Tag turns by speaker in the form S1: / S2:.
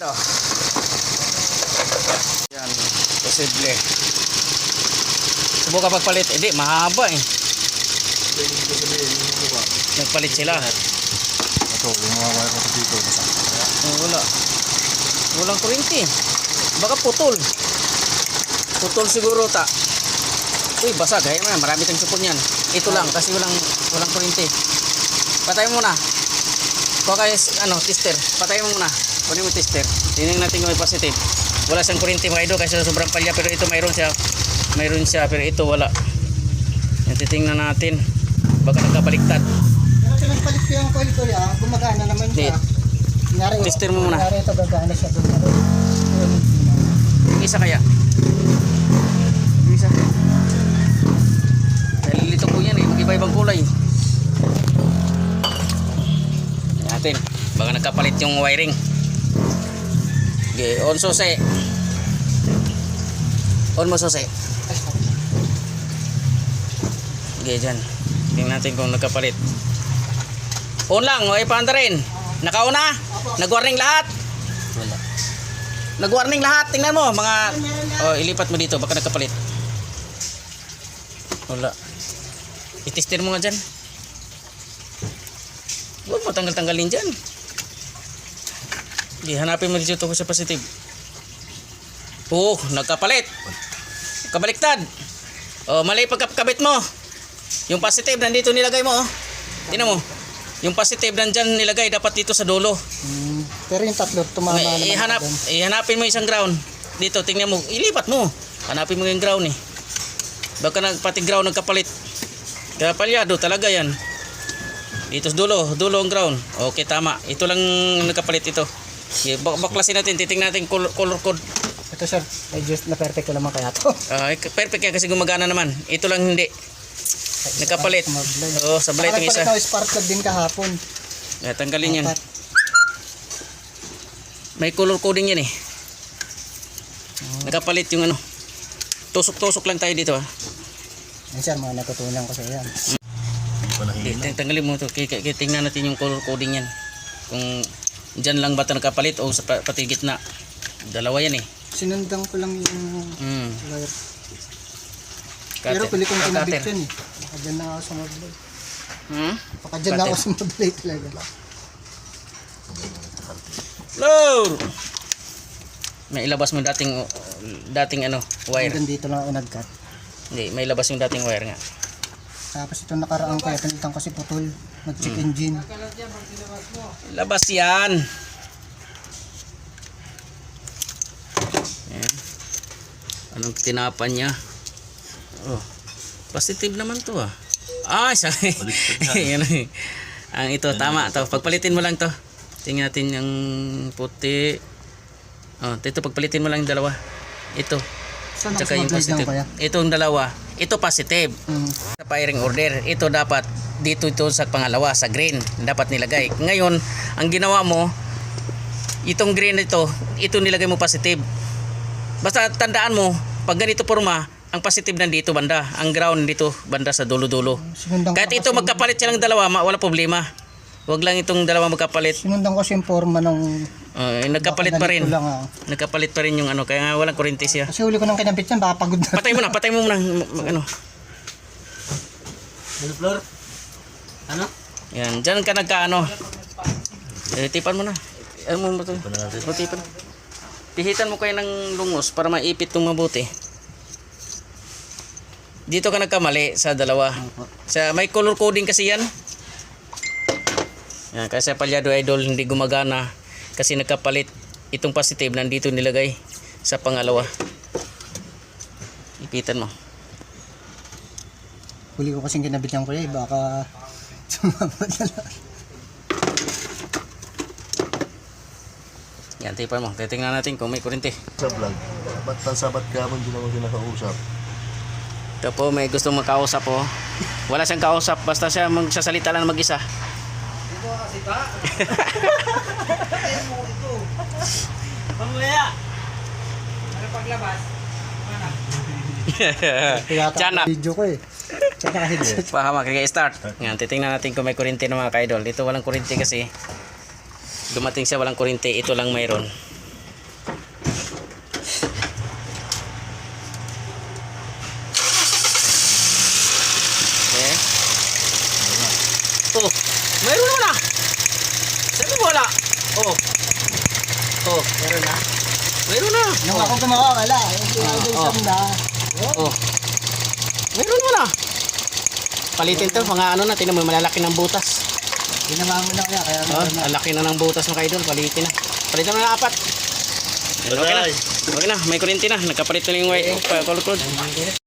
S1: Ito. Yan, posible. Subukan pagpalit. Hindi, mahaba eh. Nagpalit sila.
S2: Ito, yung mga wire ko dito.
S1: Wala. Walang kuryente. Baka putol. Putol siguro ta. Uy, basag. Ay, marami tayong supon yan. Ito lang kasi walang kuryente. Patay mo muna. Kuha kayo, tester. Patay mo muna. Kunin mo tester. Tingnan natin kung may positive. Wala siyang kuryente mga idol kasi sobrang palya, pero ito mayroon siya. Mayroon siya pero ito wala. Yan, titingnan natin. Baka nagkabaliktad.
S3: Pero pinagpalit ko yung coil ko yan, gumagana naman siya. Kunyari,
S1: Tester mo muna.
S3: Kunyari ito gagana siya.
S1: Yung isa kaya? Yung isa. Nalilito po yan eh. Mag-iba-ibang kulay. Natin. Baka nagkapalit yung wiring. Okay, on susi. On mo susi. Okay, dyan. Tingnan natin kung nagkapalit. On lang, o ipaanda rin. Nakauna? Nag-warning lahat?
S2: Wala.
S1: Nag-warning lahat. Tingnan mo, mga... Oh, ilipat mo dito, baka nagkapalit. Wala. Itester mo nga dyan. Huwag mo tanggal-tanggalin dyan. Okay, hanapin mo dito sa positive. Oh, nagkapalit. Kabaliktad. Oh, mali pagkabit mo. Yung positive nandito nilagay mo, oh. Tingnan mo. Yung positive nandyan nilagay dapat dito sa dulo.
S3: Pero yung tatlo tumama naman.
S1: Ihanapin mo isang ground. Dito, tingnan mo. Ilipat mo. Hanapin mo yung ground eh. Baka pati ground nagkapalit. Kaya palyado talaga yan. Dito sa dulo ang ground. Okay, tama. Ito lang nagkapalit ito. Okay, baklasin natin, titingnan natin color code.
S3: Ito sir, just na perfect ko naman kaya to.
S1: Perfect yan kasi gumagana naman. Ito lang hindi. Nagkapalit. Oo, sablay itong isa.
S3: Nagpalit na spark plug din kahapon.
S1: Tanggalin yan. May color coding yan eh. Nagkapalit yung ano. Tusok-tusok lang tayo dito ha.
S3: Yan sir, mga natutunan ko sa yan.
S1: Tanggalin mo ito. Tingnan natin yung color coding yan. Kung dyan lang ba ito nagkapalit o sa pati gitna. Dalawa yan eh.
S3: Sinundan ko lang yung wire. Pero
S1: Cutter.
S3: pili kong kinabit yun eh. Baka dyan na ako sumablay. Baka dyan na ako sumablay talaga.
S1: Load! May ilabas mo dating ano, wire.
S3: Hanggang dito lang ako nag-cut.
S1: Hindi, may ilabas yung dating wire nga.
S3: Tapos ito nakaraang kaya pinitan kasi putol. Nag-check engine.
S1: Labas yan. Ayan. Anong tinapan niya? Oh, positive naman to ah. Sorry. Yan eh. Ang ito, tama to. Pagpalitin mo lang to. Tingnan natin yung puti. Oh, ito pagpalitin mo lang yung dalawa. Ito.
S3: Saan
S1: Tsaka yung
S3: ako
S1: positive.
S3: kaya?
S1: Itong dalawa. Ito positive. Sa firing order. Ito dapat dito sa pangalawa, sa green. Dapat nilagay. Ngayon, ang ginawa mo, itong green ito nilagay mo positive. Basta tandaan mo, pag ganito forma, ang positive nandito banda, ang ground dito banda sa dulo-dulo. Kahit ito magkapalit silang dalawa, wala problema. Huwag lang itong dalawa magkapalit.
S3: Sinundan ko kasi yung forma ng...
S1: nagkapalit pa rin.
S3: Lang,
S1: Nagkapalit pa rin yung ano, kaya nga walang kuryente siya.
S3: Kasi huli ko nang kinabit yan, baka pagod na.
S1: Patay mo muna. Ano?
S2: Ano, Flor? Ano?
S1: Yan, dyan ka nagkaano. Tipan mo na. Ano mo ito? Tipan. Pihitan mo kayo ng lungos para maipit itong mabuti. Dito ka nagkamali sa dalawa. May color coding kasi yan. Yan, kasi palyado idol hindi gumagana kasi nagkapalit. Itong positive nandito nilagay sa pangalawa. Ipitan mo.
S3: Huli ko kasing kinabit yan kuya, baka sumabot na lang.
S1: Yan, tipan mo. Titingnan natin kung may kuryente.
S2: Sa vlog. Ba't sabat ka mo, hindi naman kinakausap?
S1: Ito po, may gusto makausap po. Wala siyang kausap, basta siya magsasalita lang mag-isa.
S3: Dito ka kasi ta?
S1: Pamaya!
S3: Ano paglabas?
S1: Tiyanak.
S3: Video ko eh. Tsaka headset.
S1: Pahama, kaya-start. Yan, titingnan natin kung may kuryente ng mga ka-idol. Dito walang kuryente kasi. Dumating siya walang kuryente, ito lang mayroon. Oh, mayroon naman ah. Sabi mo wala. Oh. Oh, meron na. Mayroon na.
S3: Nung ako gumawa, wala. Yung idol
S1: Oh.
S3: Sam na.
S1: Oh. Meron mo na. Palitin to, mga ano na, tinan mo, malalaki ng butas.
S3: Ginawa mo na kaya. Kaya
S1: Oh,
S3: meron na.
S1: ang laki na ng butas mga idol, palitin na. Palitan mo na 4. Okay na. Okay na, may kuryente na. Nagkapalit na yung white color code.